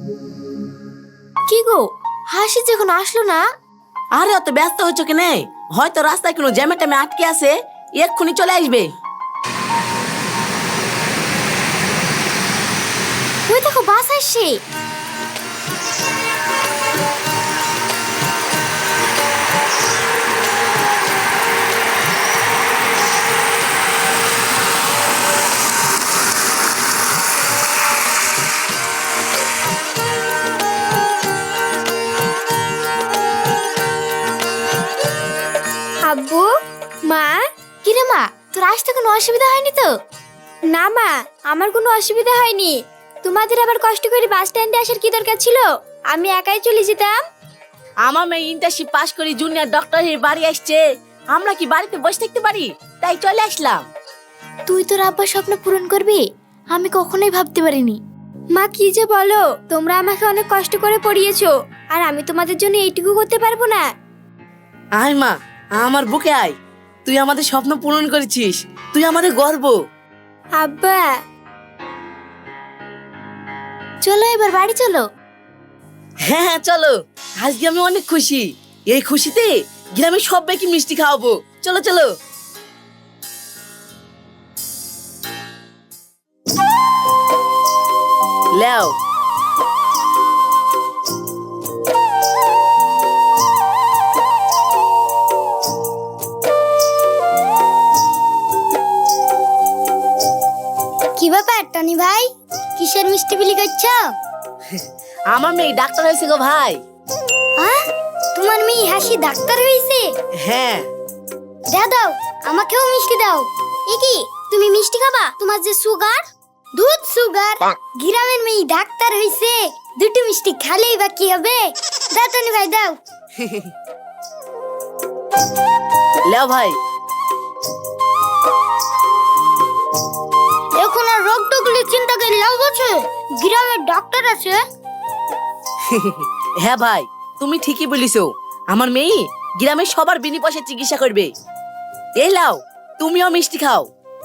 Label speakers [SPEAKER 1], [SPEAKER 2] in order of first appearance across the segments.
[SPEAKER 1] কি গো, হাসি যখন আসলো না?
[SPEAKER 2] আরে অত ব্যস্ত হচ্ছ কেনে? হয়তো রাস্তায় কোনো জ্যামে ট্যামে আটকে আছে, এক্ষুনি চলে আসবে।
[SPEAKER 1] ওই দেখো বাস আসছে।
[SPEAKER 3] আব্বু, মা।
[SPEAKER 1] কিরে মা, তোর আসতে কোনো অসুবিধা হয়নি তো?
[SPEAKER 3] না মা, আমার কোনো অসুবিধা হয়নি। তোমাদের আবার কষ্ট করে বাস স্ট্যান্ডে আসার কি দরকার ছিল? আমি একাই চলে যেতাম।
[SPEAKER 2] আমার মেয়ে ইন্টার্নশিপ পাস করে জুনিয়র ডক্টর হয়ে বাড়ি আসছে, আমরা কি বাড়িতে বসে থাকতে পারি? তাই চলে আসলাম।
[SPEAKER 1] তুই তোর আব্বার স্বপ্ন পূরণ করবি, আমি কখনোই ভাবতে পারিনি।
[SPEAKER 3] মা কি যে বলো, তোমরা আমাকে অনেক কষ্ট করে পড়িয়েছো, আর আমি তোমাদের জন্য এইটুকু করতে পারবো না?
[SPEAKER 2] আয় মা, আমার বুকে আয়। তুই আমাদের স্বপ্ন পূরণ করেছিস, তুই আমাদের গর্ব।
[SPEAKER 3] আব্বা।
[SPEAKER 1] চলো এবার বাড়ি চলো।
[SPEAKER 2] হ্যাঁ হ্যাঁ চলো, আজকে আমি অনেক খুশি। এই খুশিতে গ্রামের সবাইকে মিষ্টি খাওয়াবো। চলো চলো। লেও।
[SPEAKER 3] কি ব্যাপার টনি ভাই, কিসের মিষ্টি বিলি করছো?
[SPEAKER 2] আমার মেয়ে ডাক্তার হয়েছে গো ভাই।
[SPEAKER 3] তোমার মেয়ে হাসি ডাক্তার হয়েছে?
[SPEAKER 2] হ্যাঁ।
[SPEAKER 3] দাও দাও, আমাকেও মিষ্টি দাও। এ কি, তুমি মিষ্টি খাবা? তোমার যে সুগার, দুধ সুগার। গ্রামের মেয়ে ডাক্তার হয়েছে, দুটো মিষ্টি খালেই বা কি হবে? দাও টনি ভাই দাও।
[SPEAKER 2] লেও ভাই।
[SPEAKER 3] এখন আর রোগ টুকলি চিন্তা করে লাভ আছে, গ্রামের ডাক্তার আছে।
[SPEAKER 2] হ্যাঁ ভাই, তুমি ঠিকই বলিছো। আমার মেয়ে গ্রামের সবার বিনি পয়সায় চিকিৎসা করবে। এই লাও, তুমিও মিষ্টি খাও।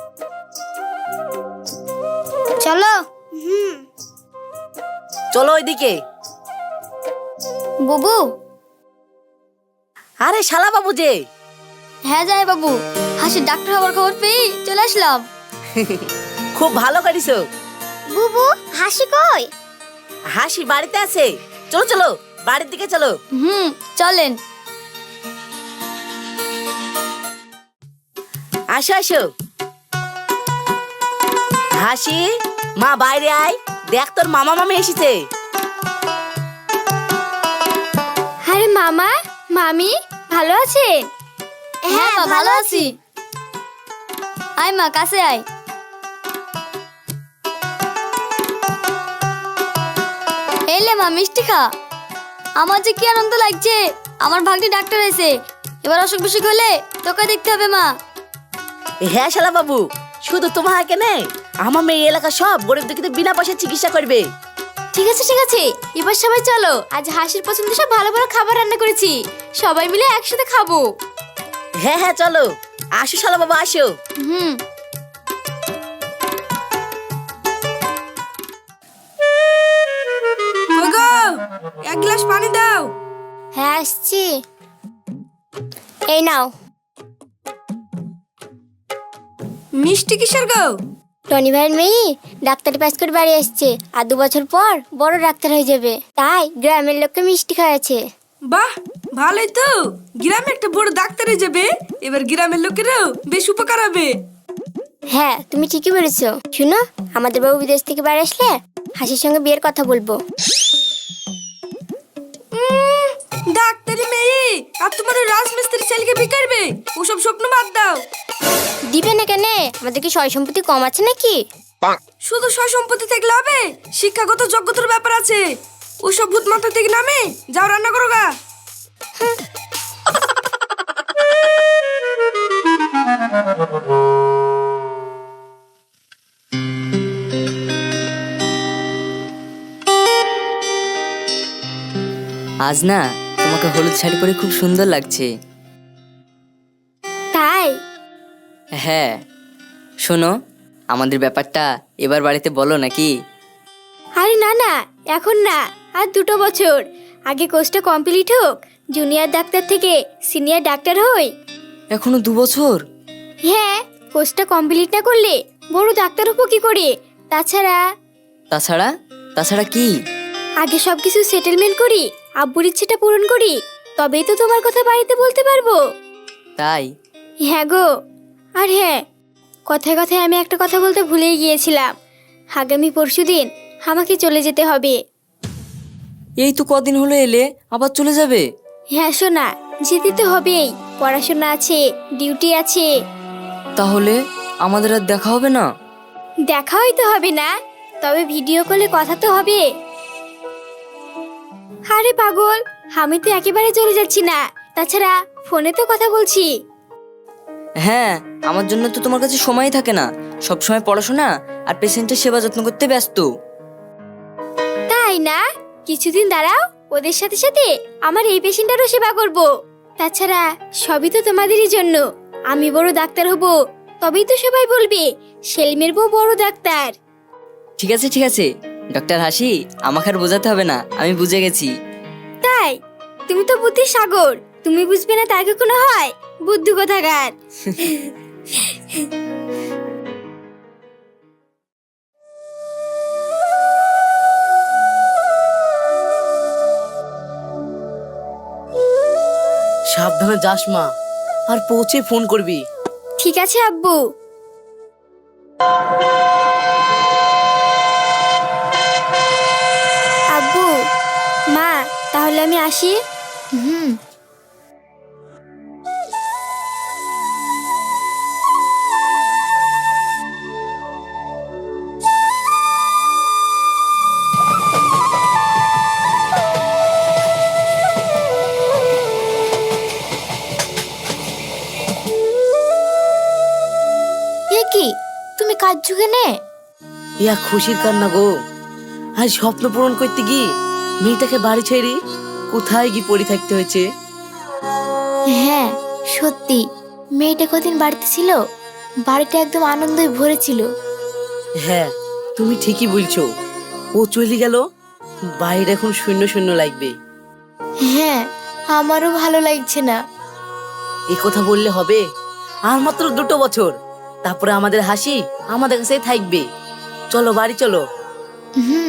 [SPEAKER 3] চলো।
[SPEAKER 2] চলো ওইদিকে।
[SPEAKER 3] বুবু।
[SPEAKER 2] আরে শালা বাবু যে।
[SPEAKER 3] হ্যাঁ যাই বাবু, হাসি ডাক্তার হওয়ার খবর পেয়ে চলে আসলাম।
[SPEAKER 2] খুব ভালো করিছো।
[SPEAKER 3] বুবু, হাসি কই?
[SPEAKER 2] হাসি বাড়িতে আছে। চলো চলো, বাড়ির দিকে চলো।
[SPEAKER 3] চলেন।
[SPEAKER 2] আসো আসো। হাসি, মা বাইরে আয়, দেখ তোর মামা মামি এসেছে।
[SPEAKER 3] আরে মামা, মামি, ভালো আছেন? হ্যাঁ মা, ভালো আছি। আয় মা, কাছে আয়। এলে মা, মিষ্টি খা। আমার যে কি আনন্দ লাগছে, আমার ভাগ্নি ডাক্তার হয়েছে। এবার অসুখ বিসুখ হলে তোকে দেখতে হবে মা।
[SPEAKER 2] হ্যাঁ শালা বাবু, শুধু তোমার কেনে, আমার মেয়ে এলাকা সব গরিব দুঃখীদের বিনা পয়সায় চিকিৎসা করবে।
[SPEAKER 1] ঠিক আছে ঠিক আছে, এবার সবাই চলো। আজ হাসির পছন্দ সব ভালো ভালো খাবার রান্না করেছি, সবাই মিলে একসাথে খাবো।
[SPEAKER 2] হ্যাঁ হ্যাঁ চলো, আসো শালা বাবু আসো।
[SPEAKER 4] এক গ্লাস পানি দাও।
[SPEAKER 3] হ্যাঁ আসছি। এই নাও।
[SPEAKER 4] মিষ্টি কিসের গো?
[SPEAKER 3] টনি ভাইয়ের মেয়ে ডাক্তারি পাস করে বাড়ি আসছে, আর 2 বছর পর বড় ডাক্তার হয়ে যাবে, তাই গ্রামের লোককে মিষ্টি খাওয়াচ্ছে।
[SPEAKER 4] বাহ, ভালোই তো। গ্রামে একটা বড় ডাক্তার হয়ে যাবে, এবার গ্রামের লোকেরাও বেশ উপকার হবে।
[SPEAKER 3] হ্যাঁ তুমি ঠিকই বলেছো। শুনো, আমাদের বাবু বিদেশ থেকে বাড়ি আসলে হাসির সঙ্গে বিয়ের কথা বলবো।
[SPEAKER 4] ডাক্তারি মেয়ে আর তোমার ওই রাজমিস্ত্রি ছেলেকে বিয়ে করবে? ওসব স্বপ্ন বাদ দাও।
[SPEAKER 3] দিবে না কেন? আমাদের কি সয় সম্পত্তি কম আছে নাকি?
[SPEAKER 4] শুধু সয় সম্পত্তি থাকলে হবে? শিক্ষাগত যোগ্যতার ব্যাপার আছে। ওসব ভূত মাথা থেকে নামে যাও, রান্না করো গা।
[SPEAKER 5] আজ না তোমাকে হলুদ শাড়ি পরে খুব সুন্দর লাগছে।
[SPEAKER 3] তাই?
[SPEAKER 5] হ্যাঁ, শোনো, আমাদের ব্যাপারটা এবার বাড়িতে বলো নাকি?
[SPEAKER 1] আরে না না, এখন না, আর 2 বছর আগে কোর্সটা কমপ্লিট হোক, জুনিয়র ডাক্তার থেকে সিনিয়র ডাক্তার হই।
[SPEAKER 5] এখনো 2 বছর?
[SPEAKER 1] হ্যাঁ, কোর্সটা কমপ্লিট না করলে বড় ডাক্তার হবো কি করে? তাছাড়া
[SPEAKER 5] তাছাড়া তাছাড়া কি?
[SPEAKER 1] আগে সবকিছু সেটেলমেন্ট করি, আব্বুর ইচ্ছেটা পূরণ করি, তবেই তো তোমার কথা বাড়িতে বলতে পারবো।
[SPEAKER 5] তাই?
[SPEAKER 1] হ্যাঁ গো। আর হ্যাঁ, কথায় কথায় আমি একটা কথা বলতে ভুলেই গিয়েছিলাম। আগামী পরশুদিন আমাকে চলে যেতে হবে।
[SPEAKER 5] এই তো কদিন হলো এলে, আবার চলে যাবে?
[SPEAKER 1] হ্যাঁ শোনা, যেতে তো হবেই, পড়াশোনা আছে, ডিউটি আছে।
[SPEAKER 5] তাহলে আমাদের আর দেখা হবে না?
[SPEAKER 1] দেখা হয়তো হবে না, তবে ভিডিও কলে কথা তো হবে। আরে পাগল, আমি তো একেবারে চলে যাচ্ছি না, তাছাড়া ফোনে তো কথা বলছি।
[SPEAKER 5] হ্যাঁ, আমার জন্য তো তোমার কাছে সময় থাকে না, সব সময় পড়াশোনা আর পেশেন্টের সেবা যত্ন করতে ব্যস্ত।
[SPEAKER 1] তাই না? কিছুদিন দাঁড়াও, ওদের সাথে সাথে আমার এই পেশেন্টারও সেবা করব। তাছাড়া সবই তো তোমাদেরই জন্য। আমি বড় ডাক্তার হব, তবেই তো সবাই বলবে সেলিমের বউ বড় ডাক্তার।
[SPEAKER 5] ঠিক আছে ঠিক আছে, ডক্টর হাসি, আমাকে আর বোঝাতে হবে না, আমি বুঝে গেছি।
[SPEAKER 1] তাই? তুমি তো বুদ্ধির সাগর, তুমি বুঝবে না তার কখনো হয়? বুদ্ধি কোথাকার।
[SPEAKER 2] সাবধানে যাস মা, আর পৌঁছে ফোন করবি।
[SPEAKER 1] ঠিক আছে আব্বু। আব্বু, মা, তাহলে আমি আসি। এ কি, তুমি কাঁদছো কেনে?
[SPEAKER 2] ইয়া খুশির কান্না গো। আজ স্বপ্ন পূরণ করতে গিয়ে মেয়েটাকে বাড়ি ছেড়ে কোথায় গিয়ে পড়ে থাকতে হয়েছে।
[SPEAKER 1] হ্যাঁ সত্যি, মেয়েটা কদিন বাড়িতে ছিল, বাড়িটা একদম আনন্দে ভরে ছিল।
[SPEAKER 2] হ্যাঁ, তুমি ঠিকই বলছো। ও চলে গেল, বাইরে এখন শূন্য শূন্য লাগবে।
[SPEAKER 1] হ্যাঁ, আমারও ভালো লাগছে না।
[SPEAKER 2] এই কথা বললে হবে? আর মাত্র 2 বছর, তারপরে আমাদের হাসি আমাদের কাছেই থাকবে। চলো বাড়ি চলো।
[SPEAKER 1] হুম।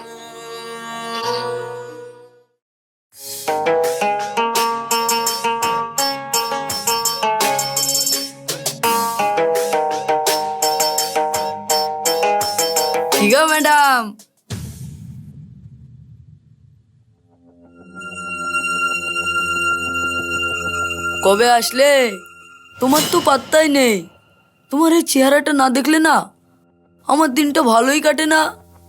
[SPEAKER 4] কি গো ম্যাডাম? কবে আসলে? তোমার তো পাত্তাই নেই। তোমার এই চেহারাটা না দেখলে না আমার দিনটা ভালোই কাটে না।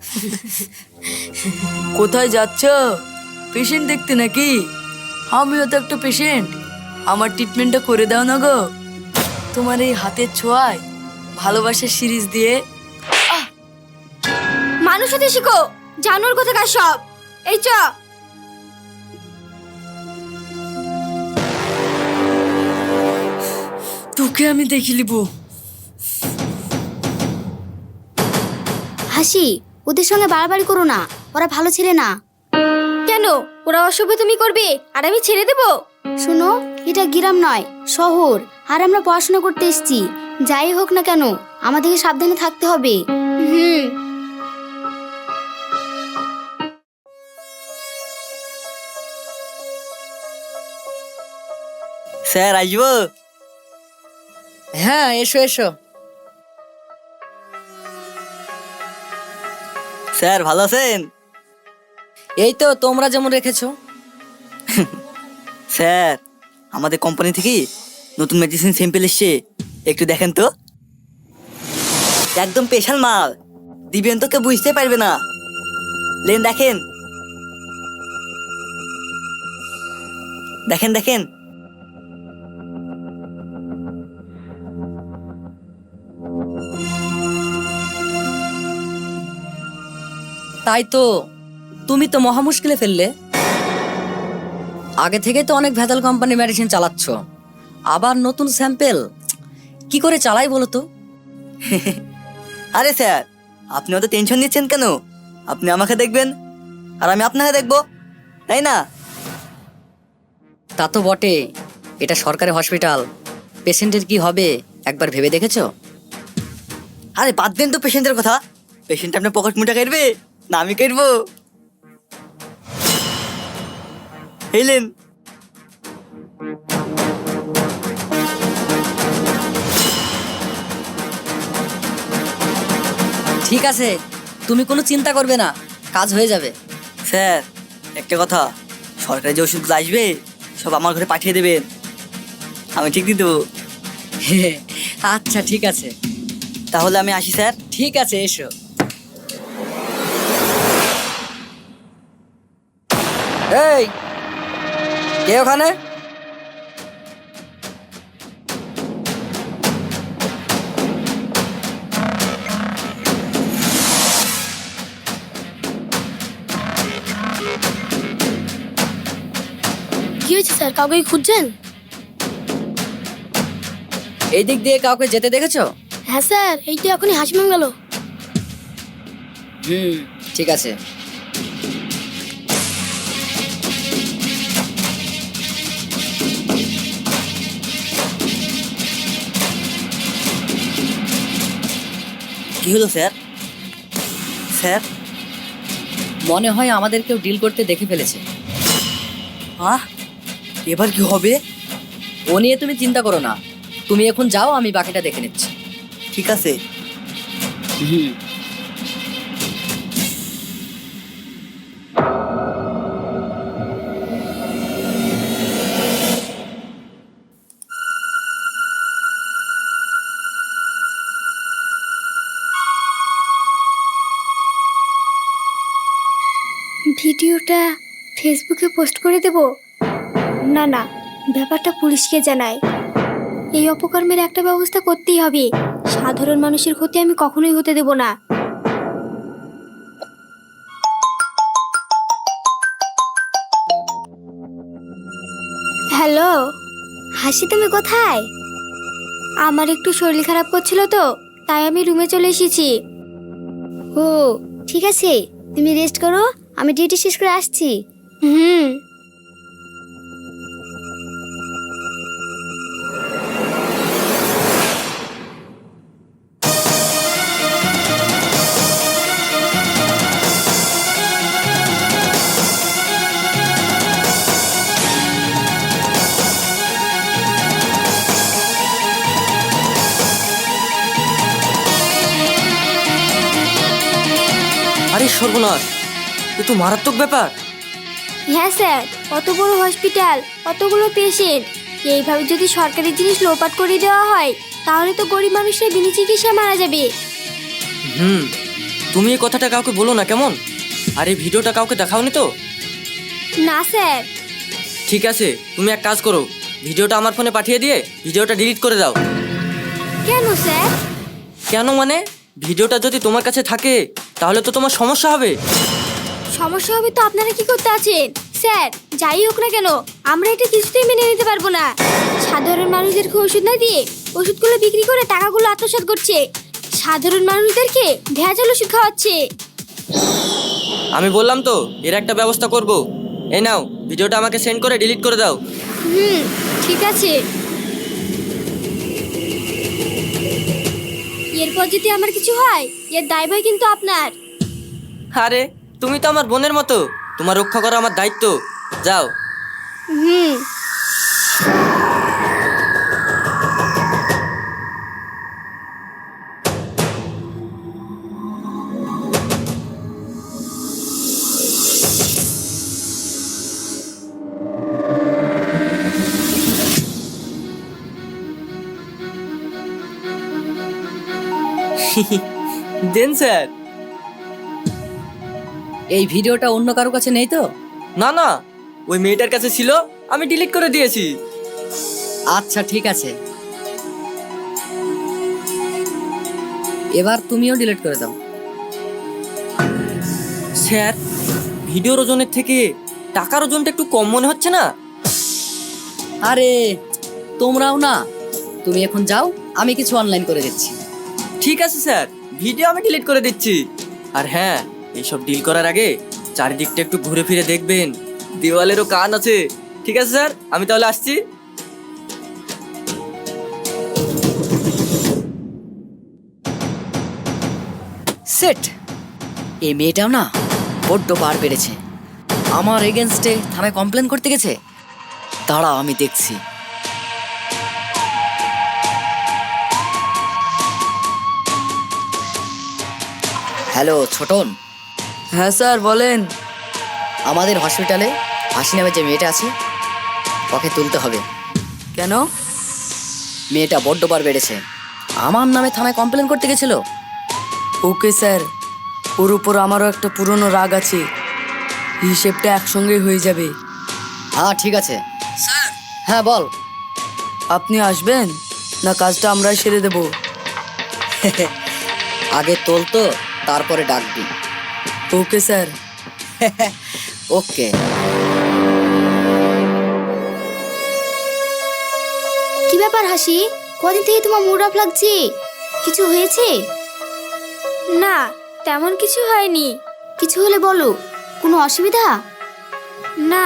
[SPEAKER 4] কোথায় যাচ্ছ? পেশেন্ট দেখতে নাকি? আমিও তো একটা পেশেন্ট, আমার ট্রিটমেন্টটা করে দাও না গো। তোমার এই হাতের ছোঁয়ায় ভালোবাসার সিরিজ দিয়ে।
[SPEAKER 1] মানুষ হতে শিখো, জানোর কোথাকার সব। এই চ।
[SPEAKER 4] তোকে আমি দেখি লিবো।
[SPEAKER 3] হাসি, ওদের সঙ্গে বাড়াবাড়ি করো না, ওরা ভালো ছেলে না।
[SPEAKER 1] কেন? ওরা অশুভ তুমি করবে আর আমি ছেড়ে দেব?
[SPEAKER 3] শোনো, এটা গ্রাম নয়, শহর, আর আমরা পড়াশোনা করতে এসেছি। যাই হোক না কেন, আমাদেরকে সাবধানে থাকতে হবে।
[SPEAKER 1] হুম।
[SPEAKER 5] স্যার আসবো?
[SPEAKER 2] হ্যাঁ এসো এসো।
[SPEAKER 5] স্যার ভালো আছেন?
[SPEAKER 2] এই তো তোমরা যেমন রেখেছো।
[SPEAKER 5] স্যার, আমাদের কোম্পানি থেকে নতুন মেডিসিন স্যাম্পল এসছে, একটু দেখেন তো। একদম স্পেশাল মাল, দিবেন তো কেউ বুঝতে পারবে না। লেন দেখেন দেখেন দেখেন।
[SPEAKER 6] তাই তো, তুমি তো মহা মুশকিলে ফেললে। আগে থেকে তো অনেক ভেজাল কোম্পানি মেডিসিন চালাচ্ছ, আবার নতুন স্যাম্পেল কি করে চালাই বলো তো?
[SPEAKER 5] আরে স্যার, আপনি অত টেনশন নিচ্ছেন কেন? আপনি আমাকে দেখবেন আর আমি আপনাকে দেখবো, তাই না?
[SPEAKER 6] তা তো বটে, এটা সরকারি হসপিটাল, পেশেন্টের কি হবে একবার ভেবে দেখেছো?
[SPEAKER 5] আরে বাদ দেন তো পেশেন্টের কথা। পেশেন্ট আপনার পকেট মুটা কাটবে না আমি কাটবো? এলেন।
[SPEAKER 6] ঠিক আছে, তুমি কোনো চিন্তা করবে না, কাজ হয়ে যাবে।
[SPEAKER 5] স্যার একটা কথা, সরকারি যে ওষুধগুলো আসবে সব আমার ঘরে পাঠিয়ে দেবেন, আমি ঠিক দিয়ে দেবো।
[SPEAKER 6] আচ্ছা ঠিক আছে।
[SPEAKER 5] তাহলে আমি আসি স্যার।
[SPEAKER 6] ঠিক আছে, এসো। এই, কে ওখানে?
[SPEAKER 3] কি হয়েছে স্যার, কাউকে কি খুঁজছেন?
[SPEAKER 6] এই দিক দিয়ে কাউকে যেতে দেখেছো?
[SPEAKER 3] হ্যাঁ স্যার, এই তো এখনই হাসিমাং গেল।
[SPEAKER 6] ঠিক আছে।
[SPEAKER 5] কি হলো স্যার? স্যার
[SPEAKER 6] মনে হয় আমাদের কেউ ডিল করতে দেখে ফেলেছে।
[SPEAKER 5] এবার কি হবে?
[SPEAKER 6] ও নিয়ে তুমি চিন্তা করো না, তুমি এখন যাও, আমি বাকিটা দেখে নিচ্ছি।
[SPEAKER 5] ঠিক আছে।
[SPEAKER 1] ভিডিওটা ফেসবুকে পোস্ট করে দেব? না না, ব্যাপারটা পুলিশকে জানাই। এই অপকর্মের একটা ব্যবস্থা করতেই হবে। সাধারণ মানুষের ক্ষতি আমি কখনোই হতে দেব না। হ্যালো, হাসি তুমি কোথায়? আমার একটু শরীর খারাপ করছিল তো, তাই আমি রুমে চলে এসেছি।
[SPEAKER 3] ও ঠিক আছে, তুমি রেস্ট করো, আমি ডিউটি শেষ করে আসছি।
[SPEAKER 1] হুম।
[SPEAKER 5] আরে সর্বনাশ, এ তো মারাত্মক ব্যাপার।
[SPEAKER 1] হ্যাঁ স্যার, অত বড় হসপিটাল, অতগুলো পেশেন্ট, এইভাবে যদি সরকারি জিনিস লোপাট করে দেওয়া হয় তাহলে তো গরিব মানুষের বিনা চিকিৎসায় মারা যাবে।
[SPEAKER 7] তুমি এই কথাটা কাউকে বলো না কেমন? আর এই ভিডিওটা কাউকে দেখাওনি তো?
[SPEAKER 1] না স্যার।
[SPEAKER 7] ঠিক আছে, তুমি এক কাজ করো, ভিডিওটা আমার ফোনে পাঠিয়ে দিয়ে ভিডিওটা ডিলিট করে দাও।
[SPEAKER 1] কেন স্যার?
[SPEAKER 7] কেন মানে, ভিডিওটা যদি তোমার কাছে থাকে তাহলে তো তোমার সমস্যা হবে।
[SPEAKER 1] সমস্যা হবে তো আপনারা কি করতে আছেন? স্যার যাই হোক না কেন, আমরা এটা কিছুতেই মেনে নিতে পারবো না। সাধারণ মানুষদেরকে ওষুধ না দিয়ে ওষুধগুলো বিক্রি করে টাকাগুলো আত্মসাৎ করছে, সাধারণ মানুষদেরকে ভেজাল ওষুধ খাওয়াচ্ছে।
[SPEAKER 7] আমি বললাম তো এর একটা ব্যবস্থা করব। এই নাও, ভিডিওটা আমাকে সেন্ড করে ডিলিট করে দাও।
[SPEAKER 1] ঠিক আছে। এরপর যদি আমার কিছু হয় এর দায়ভার কিন্তু আপনার।
[SPEAKER 7] আরে তুমি তো আমার বোনের মতো, তোমার রক্ষা করা আমার দায়িত্ব। যাও। দেন স্যার।
[SPEAKER 6] এই ভিডিওটা অন্য কারো কাছে নেই তো?
[SPEAKER 7] না না, ওই মেয়েটার কাছে ছিল, আমি ডিলিট করে দিয়েছি।
[SPEAKER 6] আচ্ছা ঠিক আছে, এবার তুমিও ডিলিট করে দাও।
[SPEAKER 7] স্যার, ভিডিওর ওজনের থেকে টাকার ওজনটা একটু কম মনে হচ্ছে না?
[SPEAKER 6] আরে তোমরাও না, তুমি এখন যাও, আমি কিছু অনলাইন করে দিচ্ছি।
[SPEAKER 7] ঠিক আছে স্যার, ভিডিও আমি ডিলিট করে দিচ্ছি। আর হ্যাঁ, এইসব ডিল করার আগে চারিদিকটা একটু ঘুরে ফিরে দেখবেন, দেওয়ালেরও কান আছে। ঠিক আছে স্যার, আমি তাহলে আসছি।
[SPEAKER 6] সেট এই মেয়েটাও না বড্ড বার বেড়েছে। আমার এগেনস্টে থানায় কমপ্লেন করতে গেছে। দাঁড়াও আমি দেখছি। হ্যালো ছোটন,
[SPEAKER 4] হ্যাঁ স্যার বলেন।
[SPEAKER 6] আমাদের হসপিটালে হাসি নামে যে মেয়েটা আছে ওকে তুলতে হবে।
[SPEAKER 4] কেন?
[SPEAKER 6] মেয়েটা বড্ড বার বেড়েছে, আমার নামে থানায় কমপ্লেন করতে গেছিল।
[SPEAKER 4] ওকে স্যার, ওর উপর আমারও একটা পুরনো রাগ আছে, হিসেবটা একসঙ্গে হয়ে যাবে।
[SPEAKER 6] হ্যাঁ ঠিক আছে স্যার। হ্যাঁ বল।
[SPEAKER 4] আপনি আসবেন না কাজটা আমরাই সেরে দেব?
[SPEAKER 6] আগে তোল তো, তারপরে ডাকবি।
[SPEAKER 4] Okay sir.
[SPEAKER 6] ওকে।
[SPEAKER 3] কি ব্যাপার হাসি, কদিন থেকে তোমার মুড অফ লাগছে? কিছু হয়েছে?
[SPEAKER 1] না, তেমন কিছু হয়নি।
[SPEAKER 3] কিছু হলে বলো, কোনো অসুবিধা?
[SPEAKER 1] না।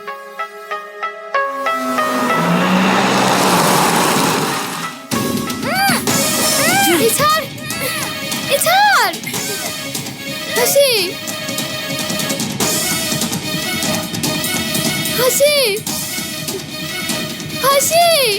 [SPEAKER 3] এই ছাড়, এই ছাড়। হাসি, হাসি, হাসি।